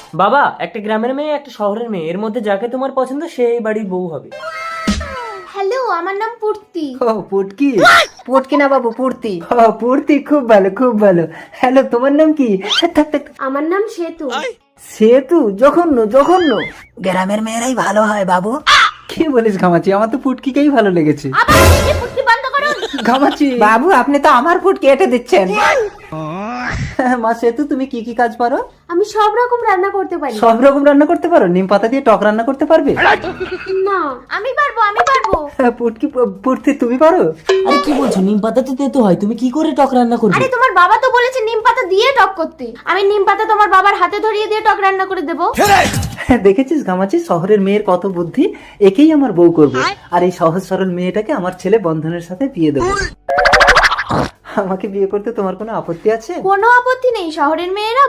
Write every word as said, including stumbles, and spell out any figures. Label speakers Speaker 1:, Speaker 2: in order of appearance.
Speaker 1: বাবা, একটা গ্রামের মেয়ে একটা শহরের মেয়ে, এর মধ্যে যাকে তোমার পছন্দ সে এই বাড়ির বউ হবে।
Speaker 2: হ্যালো, আমার নাম পূর্তি।
Speaker 3: ও পুটকি।
Speaker 4: পুটকি না বাবু, পূর্তি।
Speaker 3: ও পুটকি, খুব ভালো খুব ভালো। হ্যালো, তোমার নাম কি? থাক, থাক,
Speaker 2: আমার নাম সেতু।
Speaker 3: সেতু? জঘন্য জঘন্য।
Speaker 4: গ্রামের মেয়েরাই ভালো হয় বাবু।
Speaker 3: কি বলিস ঘামাচি? আমার তো পুটকিকেই ভালো লেগেছে।
Speaker 2: আবার এই পূর্তি বন্ধ করুন।
Speaker 3: ঘামাচি।
Speaker 4: বাবু আপনি তো আমার পুটকি এঁটে দিচ্ছেন।
Speaker 3: মা সেতু, তুমি কি কি কাজ পারো?
Speaker 2: আমি সব রকম রান্না করতে পারি।
Speaker 3: সব রকম রান্না করতে পারো? নিম পাতা দিয়ে টক রান্না করতে পারবে?
Speaker 2: না, আমি পারবো, আমি পারবো।
Speaker 3: পুটকি, পুটকি তুমি পারো?
Speaker 1: আরে কি বলছো, নিম পাতা তো তেতো হয়, তুমি কি করে টক রান্না করবে?
Speaker 2: আরে তোমার বাবা তো বলেছে নিম পাতা দিয়ে টক করতে। আমি নিম পাতা তোমার বাবার হাতে ধরিয়ে দিয়ে টক রান্না করে দেবো।
Speaker 3: দেখেছিস ঘামাচি, শহরের মেয়ের কত বুদ্ধি। একেই আমার বউ করবো, আর এই সহজ সরল মেয়েটাকে আমার ছেলে বন্ধনের সাথে বিয়ে দেবো। আমাকে বিয়ে করতে তোমার কোনো আপত্তি আছে?
Speaker 2: কোনো আপত্তি নেই, শহরের মেয়েরা